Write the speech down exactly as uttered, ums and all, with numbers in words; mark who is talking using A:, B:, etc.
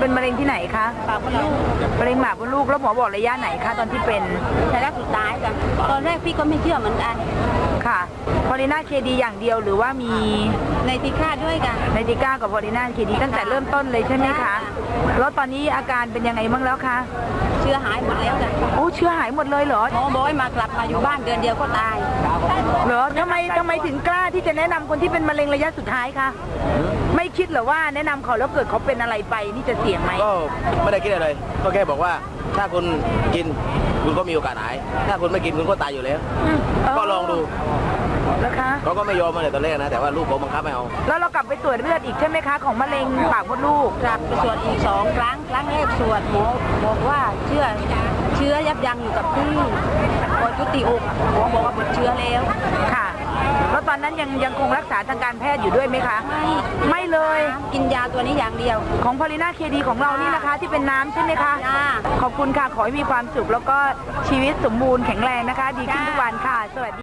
A: เป็นมะเร็งที่ไหนคะ
B: ปากมดลูก
A: มะเร็งหมากมดลูกแล้วหมอบอกระยะไหนคะตอนที่เป็น
B: ระยะสุดท้ายจ้ะตอนแรกพี่ก็ไม่เชื่อเหมือนกัน
A: ค่ะพอลิน่าเคดีอย่างเดียวหรือว่ามี
B: ในทีค่าด้วยกัน
A: ไนติก้ากับพอลิน่าเคดีตั้งแต่เริ่มต้นเลยใช่ไหมคะแล้วตอนนี้อาการเป็นยังไงบ้างแล้วคะ
B: เชื้อหายหมดแล้วจ้ะ
A: โอ้เชื้อหายหมดเลยเหรอ
B: หมอบอกให้มากลับมาอยู่บ้านเดือนเดียวก็ตาย
A: เหรอทำไมทำไมถึงกล้าที่จะแนะนำคนที่เป็นมะเร็งระยะสุดท้ายคะไม่คิดเหรอว่าแนะนำเขาแล้วเกิดเขาเป็นอะไรไปนี่จะเสี่ยงไหม
C: ก็ไม่ได้คิดอะไรเลยก็แค่บอกว่าถ้าคุณกินคุณก็มีโอกาสหาย ถ้าคุณไม่กินคุณก็ตายอยู่แล้ว ก็ลองดู
A: นะคะ
C: เขาก็ไม่ยอมมาเลยตอนแรกนะแต่ว่าลูกเขาบังคับไม่เอา
A: แล้วเรากลับไปตรวจเลือดอีกใช่ไหมคะของมะเร็งปากมดลูก
B: กลับไปตรวจอีกสองครั้งครั้งแรกตรวจหมอบอกว่าเชื้อเชื้อยับยั้งอยู่กับที่พอจุติอกหมอบอกว่าหมดเชื้อแล้ว
A: ค่ะแล้วตอนนั้นยังยังคงรักษาทางการแพทย์อยู่ด้วยไหมคะ
B: ไม่
A: ไม่เลย
B: กินยาตัวนี้อย่างเดียว
A: ของพอลิน่าเคดีของเรานี่นะคะ ที่เป็นน้ำใช่ไหมคะ
B: จ้า
A: ขอบคุณค่ะขอให้มีความสุขแล้วก็ชีวิตสมบูรณ์แข็งแรงนะคะ ดีขึ้นทุกวันค่ะสวัสดี